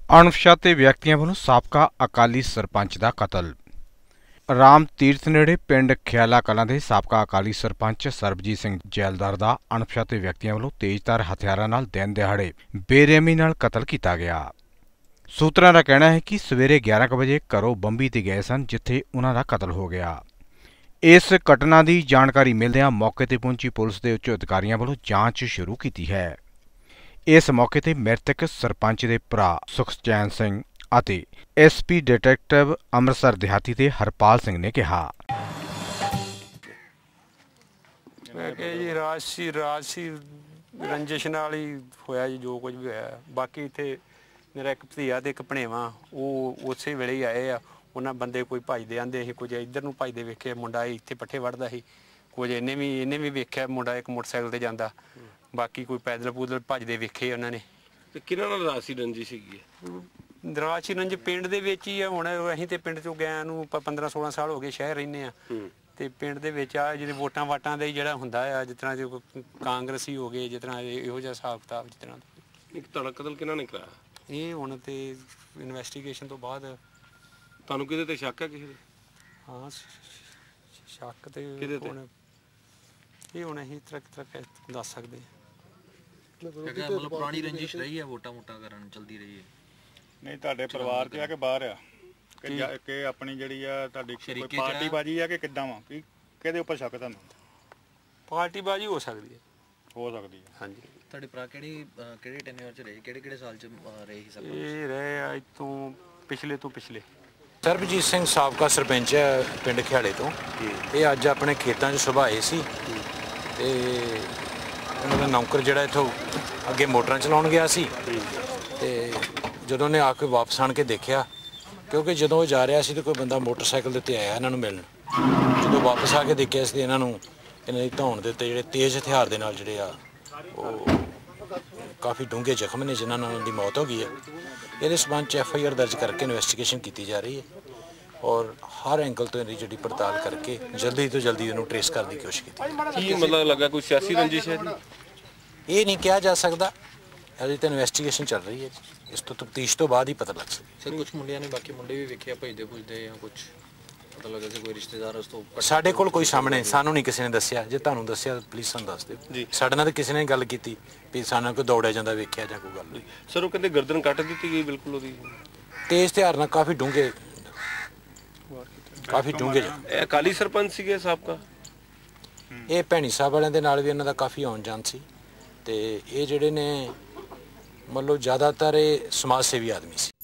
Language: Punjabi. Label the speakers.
Speaker 1: ਅਣਪਛਾਤੇ ਵਿਅਕਤੀਆਂ ਵੱਲੋਂ ਸਾਬਕਾ ਅਕਾਲੀ ਸਰਪੰਚ ਦਾ ਕਤਲ। ਰਾਮ ਤੀਰਥ ਨੇੜੇ ਪਿੰਡ ਖਿਆਲਾ ਕਲਾਂ ਦੇ ਸਾਬਕਾ ਅਕਾਲੀ ਸਰਪੰਚ ਸਰਬਜੀਤ ਸਿੰਘ ਜੈਲਦਾਰ ਦਾ ਅਣਪਛਾਤੇ ਵਿਅਕਤੀਆਂ ਵੱਲੋਂ ਤੇਜ਼ਧਾਰ ਹਥਿਆਰਾਂ ਨਾਲ ਦਿਨ ਦਿਹਾੜੇ ਬੇਰਹਿਮੀ ਨਾਲ ਕਤਲ ਕੀਤਾ ਗਿਆ। ਸੂਤਰਾਂ ਦਾ ਕਹਿਣਾ ਹੈ ਕਿ ਸਵੇਰੇ 11 ਵਜੇ ਘਰੋਂ ਬੰਬੀ ਤੇ ਗਏ ਸਨ, ਜਿੱਥੇ ਉਨ੍ਹਾਂ ਦਾ ਕਤਲ ਹੋ ਗਿਆ। ਇਸ ਘਟਨਾ ਦੀ ਜਾਣਕਾਰੀ ਮਿਲਦਿਆਂ ਮੌਕੇ ਤੇ ਪਹੁੰਚੀ ਪੁਲਿਸ ਦੇ ਉੱਚ ਅਧਿਕਾਰੀਆਂ ਵੱਲੋਂ ਜਾਂਚ ਸ਼ੁਰੂ ਕੀਤੀ ਹੈ। ਇਸ ਮੌਕੇ ਤੇ ਮ੍ਰਿਤਕ ਸਰਪੰਚ ਦੇ ਭਰਾ ਸੁਖਚੈਨ ਸਿੰਘ ਅਤੇ ਐਸਪੀ ਡਿਟੈਕਟਿਵ ਅੰਮ੍ਰਿਤਸਰ ਦਿਹਾਤੀ ਦੇ ਹਰਪਾਲ ਸਿੰਘ ਨੇ ਕਿਹਾ
Speaker 2: ਕਿ ਜੀ ਰਾਜਸੀ ਰੰਜਿਸ਼ ਨਾਲ ਹੀ ਹੋਇਆ ਜੀ ਜੋ ਕੁਝ ਵੀ ਹੋਇਆ। ਬਾਕੀ ਇੱਥੇ ਮੇਰਾ ਇੱਕ ਭਤੀਆ ਤੇ ਇੱਕ ਭਣੇਵਾ ਉਹ ਉਸੇ ਵੇਲੇ ਹੀ ਆਏ ਆ। ਉਹਨਾਂ ਬੰਦੇ ਕੋਈ ਭੱਜਦੇ ਆਂਦੇ ਸੀ, ਕੁਝ ਇੱਧਰ ਨੂੰ ਭੱਜਦੇ ਵੇਖੇ, ਮੁੰਡਾ ਇੱਥੇ ਪੱਠੇ ਵੜਦਾ ਸੀ, ਕੁਝ ਇਹਨੇ ਵੀ ਵੇਖਿਆ ਮੁੰਡਾ ਇੱਕ ਮੋਟਰਸਾਈਕਲ ਤੇ ਜਾਂਦਾ, ਬਾਕੀ ਕੋਈ ਪੈਦਲ ਪੂਦਲ ਭੱਜਦੇ ਵੇਖੇ ਉਹਨਾਂ ਨੇ।
Speaker 3: ਤੇ ਕਿਹਨਾਂ ਨਾਲ ਰਾਜਸੀ ਰੰਜਿਸ਼ ਸੀਗੀ?
Speaker 2: ਰਾਜਸੀ ਰੰਜ ਪਿੰਡ ਦੇ ਵਿੱਚ ਹੀ ਆ। ਹੁਣ ਅਸੀਂ ਤੇ ਪਿੰਡ ਚੋਂ ਗਏ ਨੂੰ 15-16 ਸਾਲ ਹੋ ਗਏ, ਸ਼ਹਿਰ ਰਹਿੰਦੇ ਆ ਤੇ ਪਿੰਡ ਦੇ ਵਿੱਚ ਆ ਜਿਹੜੇ ਵੋਟਾਂ ਵਾਟਾਂ ਦੇ ਜਿਹੜਾ ਹੁੰਦਾ ਆ, ਜਿਸ ਤਰ੍ਹਾਂ ਜੇ ਕਾਂਗਰਸੀ ਹੋ ਗਏ, ਜਿਸ ਤਰ੍ਹਾਂ ਇਹੋ ਜਿਹਾ ਹਿਸਾਬ ਕਿਤਾਬ। ਜਿਸ ਤਰ੍ਹਾਂ
Speaker 3: ਇੱਕ ਤੁਹਾਡਾ ਕਤਲ ਕਿਹਨਾਂ ਨੇ ਕਰਾਇਆ?
Speaker 2: ਇਹ ਹੁਣ ਤੇ ਇਨਵੈਸਟੀਗੇਸ਼ਨ ਤੋਂ ਬਾਅਦ
Speaker 3: ਤੁਹਾਨੂੰ ਕਿਹਦੇ ਤੇ ਸ਼ੱਕ ਹੈ? ਕਿਸੇ ਦੇ?
Speaker 2: ਹਾਂ ਸ਼ੱਕ ਤੇ ਹੁਣ ਇਹ ਹੁਣ ਅਸੀਂ ਤਰ੍ਹਾਂ ਦੱਸ ਸਕਦੇ ਹਾਂ।
Speaker 4: ਮਤਲਬ ਪੁਰਾਣੀ ਰੰਜਿਸ਼ ਰਹੀ ਹੈ, ਵੋਟਾਂ ਕਰਨ ਚਲਦੀ ਰਹੀ ਹੈ?
Speaker 5: ਨਹੀਂ, ਤੁਹਾਡੇ ਪਰਿਵਾਰ 'ਚ ਆ ਕਿ ਬਾਹਰ ਆ ਕਿ ਆਪਣੀ ਜਿਹੜੀ ਆ ਤੁਹਾਡੀ ਕੋਈ ਪਾਰਟੀ ਬਾਜੀ ਆ ਕਿ ਕਿੱਦਾਂ ਵਾ? ਕਿਹਦੇ ਉੱਪਰ ਸ਼ੱਕ ਤੁਹਾਨੂੰ?
Speaker 2: ਪਾਰਟੀ ਬਾਜੀ ਹੋ ਸਕਦੀ ਹੈ। ਹਾਂਜੀ।
Speaker 4: ਤੁਹਾਡੇ ਭਰਾ ਕਿਹੜੇ ਟੈਨਿਓਰ 'ਚ ਰਹੇ, ਕਿਹੜੇ ਸਾਲ 'ਚ ਰਹੇ ਸੀ?
Speaker 2: ਇਹ ਰਹੇ ਆ ਇੱਥੋਂ ਪਿਛਲੇ
Speaker 6: ਸਰਬਜੀਤ ਸਿੰਘ ਸਾਬਕਾ ਸਰਪੰਚ ਹੈ ਪਿੰਡ ਖਿਆਲੇ ਤੋਂ। ਇਹ ਅੱਜ ਆਪਣੇ ਖੇਤਾਂ 'ਚ ਸੁਭਾਏ ਸੀ ਤੇ ਉਹਨਾਂ ਦਾ ਨੌਕਰ ਜਿਹੜਾ ਇੱਥੋਂ ਅੱਗੇ ਮੋਟਰਾਂ ਚਲਾਉਣ ਗਿਆ ਸੀ ਤੇ ਜਦੋਂ ਨੇ ਆ ਕੇ ਵਾਪਸ ਆਣ ਕੇ ਦੇਖਿਆ, ਕਿਉਂਕਿ ਜਦੋਂ ਉਹ ਜਾ ਰਿਹਾ ਸੀ ਤਾਂ ਕੋਈ ਬੰਦਾ ਮੋਟਰਸਾਈਕਲ ਦੇ ਉੱਤੇ ਆਇਆ ਇਹਨਾਂ ਨੂੰ ਮਿਲਣ। ਜਦੋਂ ਵਾਪਸ ਆ ਕੇ ਦੇਖਿਆ ਸੀ ਇਹਨਾਂ ਦੀ ਧੌਣ ਦੇ ਉੱਤੇ ਜਿਹੜੇ ਤੇਜ਼ ਹਥਿਆਰ ਦੇ ਨਾਲ ਜਿਹੜੇ ਆ ਉਹ ਕਾਫੀ ਡੂੰਘੇ ਜ਼ਖਮ ਨੇ, ਜਿਨ੍ਹਾਂ ਨਾਲ ਉਹਨਾਂ ਦੀ ਮੌਤ ਹੋ ਗਈ ਹੈ। ਇਹਦੇ ਸਬੰਧ 'ਚ FIR ਦਰਜ ਕਰਕੇ ਇਨਵੈਸਟੀਗੇਸ਼ਨ ਕੀਤੀ ਜਾ ਰਹੀ ਹੈ ਔਰ ਹਰ ਐਂਗਲ ਤੋਂ ਇਹਦੀ ਜਿਹੜੀ ਪੜਤਾਲ ਕਰਕੇ ਜਲਦੀ ਤੋਂ ਜਲਦੀ ਇਹਨੂੰ ਟਰੇਸ ਕਰਨ ਦੀ ਕੋਸ਼ਿਸ਼ ਕੀਤੀ।
Speaker 3: ਕੀ ਮਤਲਬ ਲੱਗਾ ਕੋਈ ਸਿਆਸੀ ਰੰਜਿਸ਼ ਹੈ?
Speaker 6: ਇਹ ਨਹੀਂ ਕਿਹਾ ਜਾ ਸਕਦਾ, ਅਜੇ ਤਾਂ ਇਨਵੈਸਟੀਗੇਸ਼ਨ ਚੱਲ ਰਹੀ ਹੈ। ਇਸ ਤੋਂ ਤਫਤੀਸ਼ ਤੋਂ ਬਾਅਦ ਹੀ ਪਤਾ ਲੱਗ ਸਕਦਾ।
Speaker 4: ਸਰ ਕੁਝ ਮੁੰਡਿਆਂ ਨੇ ਬਾਕੀ ਮੁੰਡੇ ਵੀ ਵੇਖਿਆ ਭਜਦੇ ਜਾਂ ਕੁਝ ਪਤਾ ਲੱਗਾ ਸੀ ਕੋਈ ਰਿਸ਼ਤੇਦਾਰ ਉਸ ਤੋਂ?
Speaker 6: ਸਾਡੇ ਕੋਲ ਕੋਈ ਸਾਹਮਣੇ ਸਾਨੂੰ ਨਹੀਂ ਕਿਸੇ ਨੇ ਦੱਸਿਆ। ਜੇ ਤੁਹਾਨੂੰ ਦੱਸਿਆ ਪਲੀਜ਼ ਸਾਨੂੰ ਦੱਸ ਦਿਓ। ਸਾਡੇ ਨਾਲ ਤਾਂ ਕਿਸੇ ਨੇ ਗੱਲ ਕੀਤੀ ਵੀ ਸਾਨੂੰ ਕੋਈ ਦੌੜਿਆ ਜਾਂਦਾ ਵੇਖਿਆ ਜਾਂ ਕੋਈ ਗੱਲ।
Speaker 3: ਸਰ ਉਹ ਕਹਿੰਦੇ ਗਰਦਨ ਕੱਟ ਦਿੱਤੀ ਗਈ ਬਿਲਕੁਲ ਉਹਦੀ,
Speaker 6: ਤੇਜ਼ ਹਥਿਆਰ ਨਾਲ ਕਾਫੀ ਡੂੰਘੇ
Speaker 3: ਇਹ ਅਕਾਲੀ ਸਰਪੰਚ ਸੀਗੇ ਸਾਬਕਾ?
Speaker 6: ਇਹ ਭੈਣੀ ਸਾਹਿਬ ਵਾਲਿਆਂ ਦੇ ਨਾਲ ਵੀ ਇਹਨਾਂ ਦਾ ਕਾਫੀ ਆਉਣ ਜਾਣ ਸੀ ਤੇ ਇਹ ਜਿਹੜੇ ਨੇ ਮਤਲਬ ਜ਼ਿਆਦਾਤਰ ਇਹ ਸਮਾਜ ਸੇਵੀ ਆਦਮੀ ਸੀ।